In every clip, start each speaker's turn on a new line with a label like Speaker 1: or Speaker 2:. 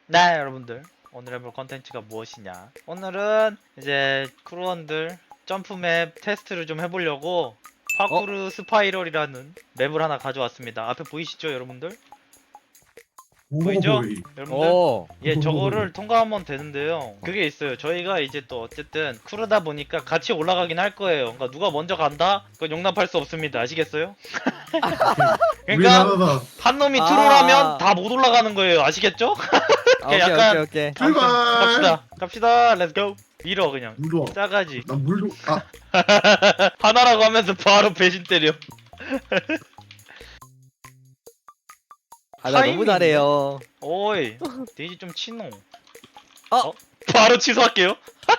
Speaker 1: 네, 여러분들 오늘 해볼 컨텐츠가 무엇이냐, 오늘은 이제 크루원들 점프맵 테스트를 좀 해보려고 파쿠르 스파이럴이라는 맵을 하나 가져왔습니다. 앞에 보이시죠 여러분들? 보이죠?
Speaker 2: 오이.
Speaker 1: 여러분들?
Speaker 3: 오.
Speaker 1: 예, 저거를 통과하면 되는데요. 그게 있어요. 저희가 이제 또 어쨌든 크루다 보니까 같이 올라가긴 할 거예요. 그러니까 누가 먼저 간다? 그건 용납할 수 없습니다. 아시겠어요? 그러니까
Speaker 2: 우리나라다.
Speaker 1: 한 놈이
Speaker 3: 아.
Speaker 1: 트롤하면 다 못 올라가는 거예요. 아시겠죠?
Speaker 3: 오케이,
Speaker 1: 약간-
Speaker 3: 오케이.
Speaker 2: 출발.
Speaker 1: 갑시다. 렛츠고. 밀어 그냥.
Speaker 2: 물도.
Speaker 1: 싸가지.
Speaker 2: 난 물도. 아,
Speaker 1: 하나라고 하면서 바로 배신 때려.
Speaker 3: 아, 나 너무
Speaker 1: 타이밍인데?
Speaker 3: 잘해요.
Speaker 1: 오이, 데이지 좀 치노.
Speaker 3: 어?
Speaker 1: 바로 취소할게요.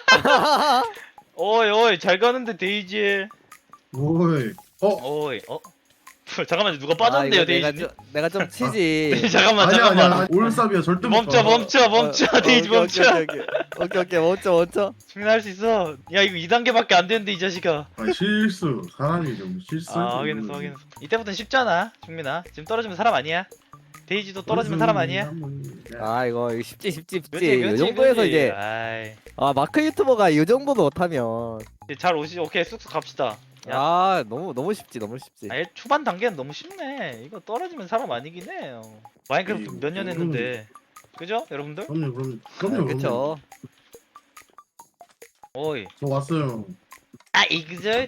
Speaker 1: 오이, 잘 가는데 데이지.
Speaker 2: 오이.
Speaker 1: 오이, 잠깐만요, 누가 빠졌는데요,
Speaker 3: 아, 이거
Speaker 1: 데이지?
Speaker 3: 내가 좀 치지.
Speaker 1: 잠깐만.
Speaker 2: 아니야. 올삽이야. 절대 못
Speaker 1: 멈춰,
Speaker 2: 가.
Speaker 1: 멈춰, 데이지 멈춰.
Speaker 3: 오케이, 멈춰.
Speaker 1: 충분할 수 있어. 야, 이거 2단계밖에 안 되는데, 이 자식아.
Speaker 2: 아, 실수. 사람이 좀 실수.
Speaker 1: 확인했어. 이때부터는 쉽잖아, 충민아. 지금 떨어지면 사람 아니야. 데이지도 떨어지면 사람 아니야.
Speaker 3: 아, 이거 쉽지.
Speaker 1: 그치,
Speaker 3: 이 정도에서
Speaker 1: 그치.
Speaker 3: 이제
Speaker 1: 아이,
Speaker 3: 마크 유튜버가 이 정도도 못하면
Speaker 1: 잘 오시죠. 오케이, 쑥쑥 갑시다. 야.
Speaker 3: 너무 쉽지.
Speaker 1: 아예 초반 단계는 너무 쉽네. 이거 떨어지면 사람 아니긴 해요. 마인크래프트 몇 년 했는데. 그죠? 여러분들?
Speaker 2: 그럼요.
Speaker 3: 그쵸.
Speaker 1: 오이.
Speaker 2: 저 왔어요.
Speaker 1: 이그저?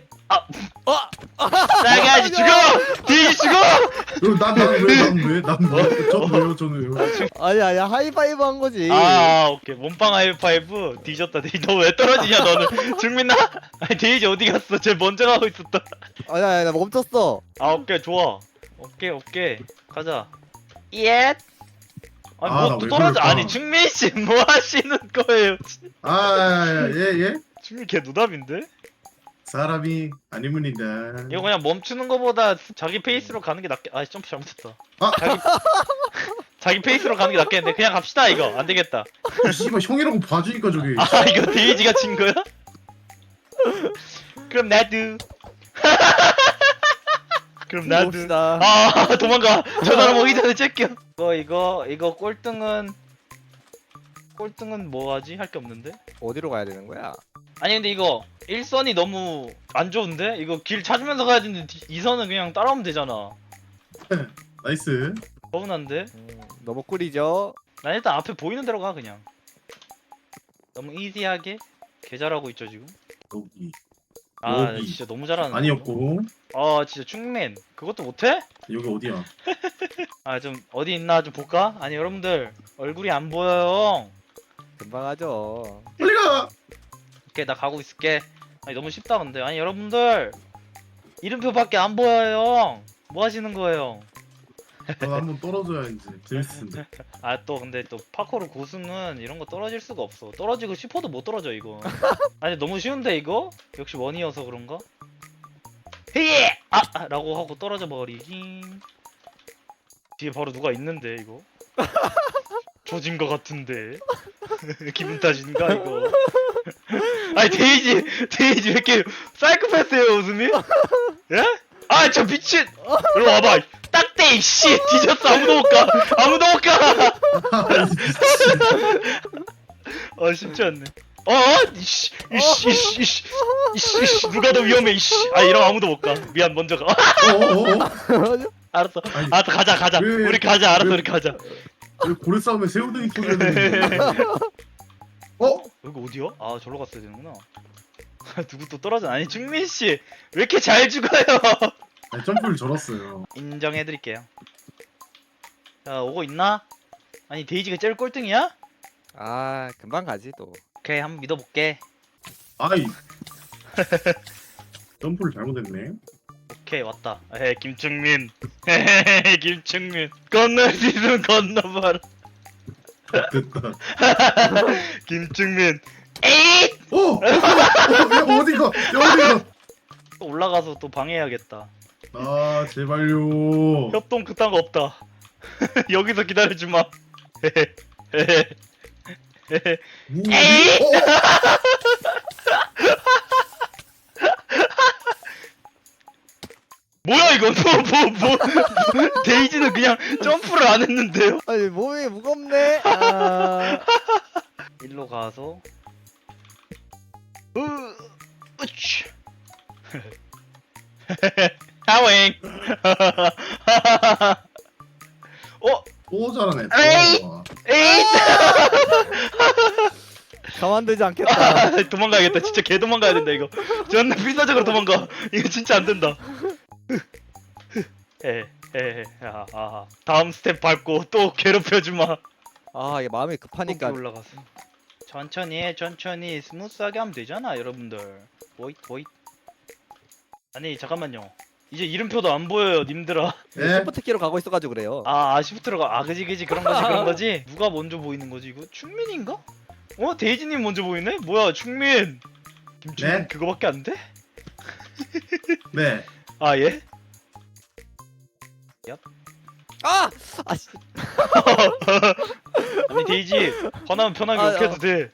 Speaker 1: 나가지 죽어! 데이지 죽어!
Speaker 2: 난 왜? 저는 왜요?
Speaker 3: 아니야, 하이파이브 한 거지.
Speaker 1: 오케이. 몸빵 하이파이브. 뒤졌다. 데이지. 너 왜 떨어지냐, 너는? 증민아? 아니, 데이지 어디 갔어? 쟤 먼저 가고 있었다.
Speaker 3: 아니야, 나 멈췄어.
Speaker 1: 오케이. 좋아. 오케이. 가자. 예! 아니,
Speaker 2: 나
Speaker 1: 뭐 또
Speaker 2: 왜
Speaker 1: 떨어져.
Speaker 2: 그럴까?
Speaker 1: 아니, 증민씨, 뭐 하시는 거예요?
Speaker 2: 예.
Speaker 1: 증민 걔 노답인데?
Speaker 2: 사람이 아니문이다.
Speaker 1: 이거 그냥 멈추는 거보다 자기 페이스로 가는 게 낫게. 점프 잘못했다.
Speaker 2: 아!
Speaker 1: 자기 페이스로 가는 게 낫겠는데. 그냥 갑시다, 이거. 안 되겠다.
Speaker 2: 씨발 형이라고 봐주니까 저기.
Speaker 1: 이거 데이지가 진 거야? 그럼 나도. 그럼 나도.
Speaker 3: 봅시다.
Speaker 1: 도망가. 저 사람 오기 전에 째껴. 이거 꼴등은 뭐 하지? 할 게 없는데?
Speaker 3: 어디로 가야 되는 거야?
Speaker 1: 아니, 근데 이거 일선이 너무 안 좋은데? 이거 길 찾으면서 가야 되는데 2선은 그냥 따라오면 되잖아.
Speaker 2: 나이스.
Speaker 1: 서운한데?
Speaker 3: 너무 꿀이죠.
Speaker 1: 난 일단 앞에 보이는 대로 가, 그냥. 너무 이지하게 개 잘하고 있죠 지금.
Speaker 2: 여기.
Speaker 1: 나
Speaker 2: 여기.
Speaker 1: 진짜 너무 잘하는.
Speaker 2: 아니었고.
Speaker 1: 진짜 충맨 그것도 못해?
Speaker 2: 여기 어디야?
Speaker 1: 좀 어디 있나 좀 볼까? 아니, 여러분들 얼굴이 안 보여요.
Speaker 3: 금방 하죠.
Speaker 2: 빨리 가.
Speaker 1: 오케이, 나 가고 있을게. 아니, 너무 쉽다 근데. 아니, 여러분들 이름표밖에 안 보여요. 뭐 하시는 거예요?
Speaker 2: 너 한번 떨어져야지. 재밌을 텐데.
Speaker 1: 또 근데 또 파코르 고수는 이런 거 떨어질 수가 없어. 떨어지고 싶어도 못 떨어져 이거. 아니, 너무 쉬운데 이거? 역시 원이어서 그런가? 헤예! 라고 하고 떨어져 버리긴. 뒤에 바로 누가 있는데 이거? 조진 거 같은데. 기분 탓인가 이거? 아니, 데이지 왜 이렇게 사이코패스예요 웃음이? 예? 저 미친! 일로 와봐. 딱대 이씨 뒤졌어. 아무도 못 가. 쉽지 않네. 이씨 누가 더 위험해 이씨. 이러면 아무도 못 가. 미안, 먼저 가. 알았어.
Speaker 2: 아니,
Speaker 1: 가자.
Speaker 2: 왜-
Speaker 1: 우리 가자. 알았어,
Speaker 2: 왜-
Speaker 1: 우리 가자.
Speaker 2: 왜 고래 싸움에 새우등이 터져야 되는데?
Speaker 1: 여기 어디야? 절로 갔어야 되는구나. 누구 또 떨어져? 아니, 충민 씨 왜 이렇게 잘 죽어요?
Speaker 2: 아니, 점프를 절었어요.
Speaker 1: 인정해드릴게요. 자, 오고 있나? 아니, 데이지가 제일 꼴등이야?
Speaker 3: 금방 가지 또.
Speaker 1: 오케이, 한번 믿어볼게.
Speaker 2: 아이. 점프를 잘못했네.
Speaker 1: 오케이, 왔다. 김충민. 김충민. 건널 수 있으면 건너봐라.
Speaker 2: 됐다.
Speaker 1: 김충민. 에잇!
Speaker 2: 어디가?
Speaker 1: 또 올라가서 또 방해해야겠다.
Speaker 2: 제발요.
Speaker 1: 협동 그딴 거 없다. 여기서 기다려주마. 에이! 뭐야 이거? 데이지는 그냥 점프를 안 했는데요?
Speaker 3: 아니 몸이 무겁네.
Speaker 1: 가서 으치 하윙
Speaker 2: 또 잘하네.
Speaker 1: 에이!
Speaker 2: 또.
Speaker 1: 에이
Speaker 3: 가만두지 않겠다.
Speaker 1: 도망가야겠다 진짜 개 도망가야 된다 이거 존나 필사적으로 도망가 이거 진짜 안 된다 다음 스텝 밟고 또 괴롭혀주마
Speaker 3: 아 이게 마음이 급하니까.
Speaker 1: 높이 올라가서 천천히 스무스하게 하면 되잖아 여러분들. 보잇 아니 잠깐만요 이제 이름표도 안 보여요 님들아.
Speaker 2: 예?
Speaker 3: 시프트 키로 가고 있어가지고 그래요.
Speaker 1: 시프트로가 그지 그런 거지 누가 먼저 보이는 거지 이거? 충민인가? 데이지님 먼저 보이네? 뭐야 충민 김충민
Speaker 2: 네?
Speaker 1: 그거밖에 안 돼?
Speaker 2: 네.
Speaker 1: 예?
Speaker 3: 아! 아 씨.
Speaker 1: 아니 데이지 화나면 편하게
Speaker 3: 아,
Speaker 1: 욕 해도 돼.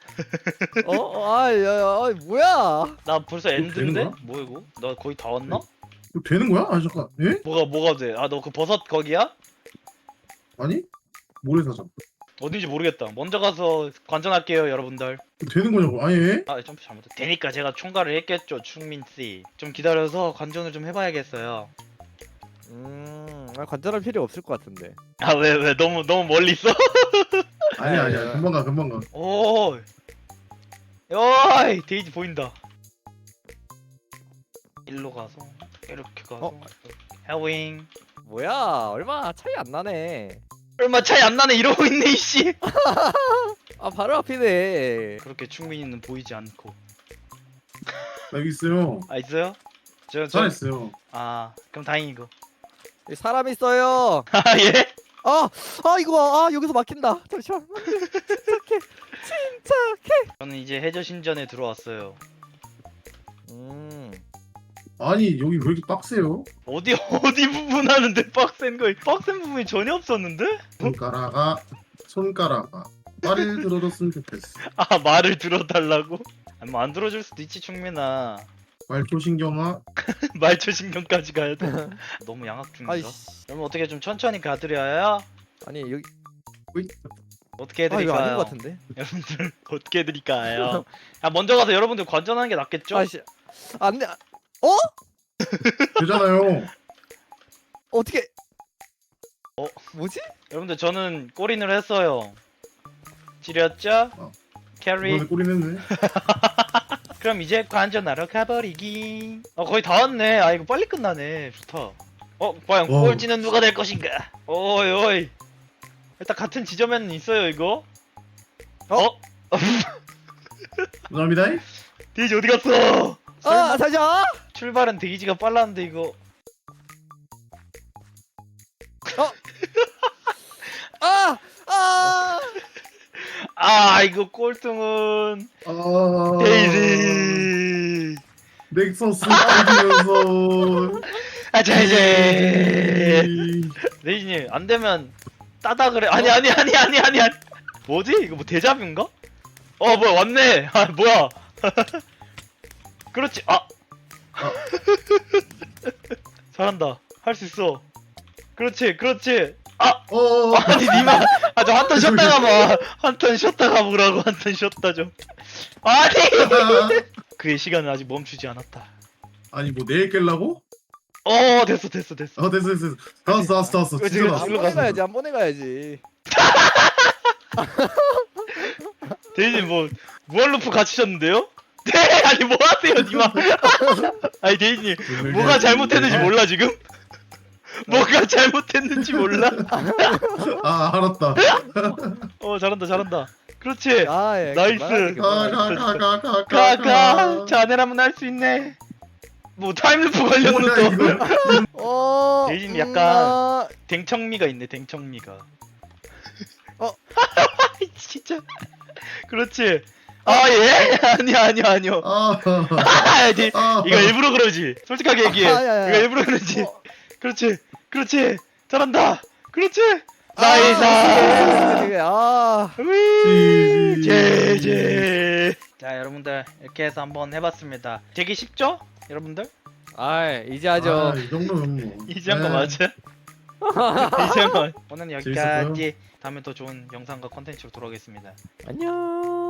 Speaker 3: 뭐야?
Speaker 1: 나 벌써
Speaker 2: 되는
Speaker 1: 엔드인데?
Speaker 2: 거야?
Speaker 1: 뭐야 이거? 나 거의 다 왔나?
Speaker 2: 이거 되는 거야? 아 잠깐. 예?
Speaker 1: 뭐가 돼? 너 그 버섯 거기야?
Speaker 2: 아니? 모래사장.
Speaker 1: 어딘지 모르겠다. 먼저 가서 관전할게요 여러분들.
Speaker 2: 이거 되는 거냐고? 아니 예?
Speaker 1: 점프 잘못했. 되니까 제가 총괄을 했겠죠 충민 씨. 좀 기다려서 관전을 좀 해봐야겠어요.
Speaker 3: 관절할 필요 없을 것 같은데.
Speaker 1: 왜 너무 멀리 있어?
Speaker 2: 아니야. 금방 가.
Speaker 1: 오, 데이지 보인다. 일로 가서 이렇게 가서 해윙.
Speaker 3: 뭐야? 얼마 차이 안 나네.
Speaker 1: 얼마 차이 안 나네 이러고 있네 이씨.
Speaker 3: 바로 앞이네.
Speaker 1: 그렇게 충민이는 보이지 않고.
Speaker 2: 나 여기 있어요.
Speaker 1: 있어요?
Speaker 2: 잘했어요.
Speaker 1: 그럼 다행이고.
Speaker 3: 여기 사람 있어요.
Speaker 1: 예?
Speaker 3: 이거 여기서 막힌다. 잠시만. 침착해.
Speaker 1: 저는 이제 해저 신전에 들어왔어요.
Speaker 2: 아니 여기 왜 이렇게 빡세요?
Speaker 1: 어디 부분 하는데 빡센 부분이 전혀 없었는데?
Speaker 2: 손가락아 말을 들어줬으면 좋겠어.
Speaker 1: 말을 들어달라고? 뭐 안 들어줄 수도 있지 충민아.
Speaker 2: 말초신경아.
Speaker 1: 말초 신경까지 가야 돼. 너무 양악 중인가?
Speaker 3: 아이씨.
Speaker 1: 그럼 어떻게 좀 천천히 가드려야?
Speaker 3: 아니 여기
Speaker 1: 어떻게
Speaker 3: 이거
Speaker 1: 해드릴까요?
Speaker 3: 아닌 것 같은데.
Speaker 1: 여러분들 어떻게 해드릴까요? 먼저 가서 여러분들 관전하는 게 낫겠죠?
Speaker 3: 아이씨. 안돼.
Speaker 2: 되잖아요.
Speaker 3: 어떻게? 뭐지?
Speaker 1: 여러분들 저는 골인을 했어요. 지렸죠? 캐리.
Speaker 2: 이번에 꼬리 냈네.
Speaker 1: 그럼 이제 관전하러 가버리기. 거의 다 왔네. 이거 빨리 끝나네. 좋다. 과연
Speaker 2: 와.
Speaker 1: 꼴찌는 누가 될 것인가? 오이. 일단 같은 지점에는 있어요 이거.
Speaker 2: 감사합니다.
Speaker 1: 데이지 어디 갔어?
Speaker 3: 잠시만.
Speaker 1: 출발은 데이지가 빨랐는데 이거. 이거 꼴등은 데이지.
Speaker 2: 넥서스 빠지면서.
Speaker 1: 데이지님 안 되면 따다 그래. 아니. 뭐지? 이거 뭐 데자뷰인가? 뭐야 왔네. 뭐야? 그렇지. 잘한다. 할 수 있어. 그렇지. 아니 니마. 저 한 턴 쉬었다가 봐. 한 턴 쉬었다가 보라고. 한 턴 쉬었다 좀. 아니. 그의 시간은 아직 멈추지 않았다.
Speaker 2: 아니 뭐 내일 깰라고?
Speaker 1: 됐어.
Speaker 2: 됐어. 다 왔어.
Speaker 1: 그치,
Speaker 2: 진짜
Speaker 1: 그치.
Speaker 2: 나왔어.
Speaker 3: 한 번에 가야지.
Speaker 1: 데이지 뭐 무한루프 갇히셨는데요? 네 아니 뭐 하세요 니마. 아니 데이지 뭐가 잘못했는지 몰라 지금? 뭐가 잘못했는지 몰라?
Speaker 2: 알았다.
Speaker 1: 잘한다. 그렇지. 나이스. 가. 자네라면 할 수 있네. 뭐 타임루프 걸렸는 또. 데이지님 약간 댕청미가 있네. 댕청미가. 진짜. 그렇지. 예? 아니요. 이거 일부러 그러지. 솔직하게 얘기해. 이거 일부러 그러지. 그렇지. 잘한다. 그렇지. 나이스. 제제. 자 여러분들 이렇게 해서 한번 해봤습니다. 되게 쉽죠? 여러분들?
Speaker 3: 이제 하죠.
Speaker 2: 이 정도면 뭐.
Speaker 1: 이지한 거 맞아? 이지한 거. 오늘 여기까지. 다음에 더 좋은 영상과 컨텐츠로 돌아오겠습니다.
Speaker 3: 안녕.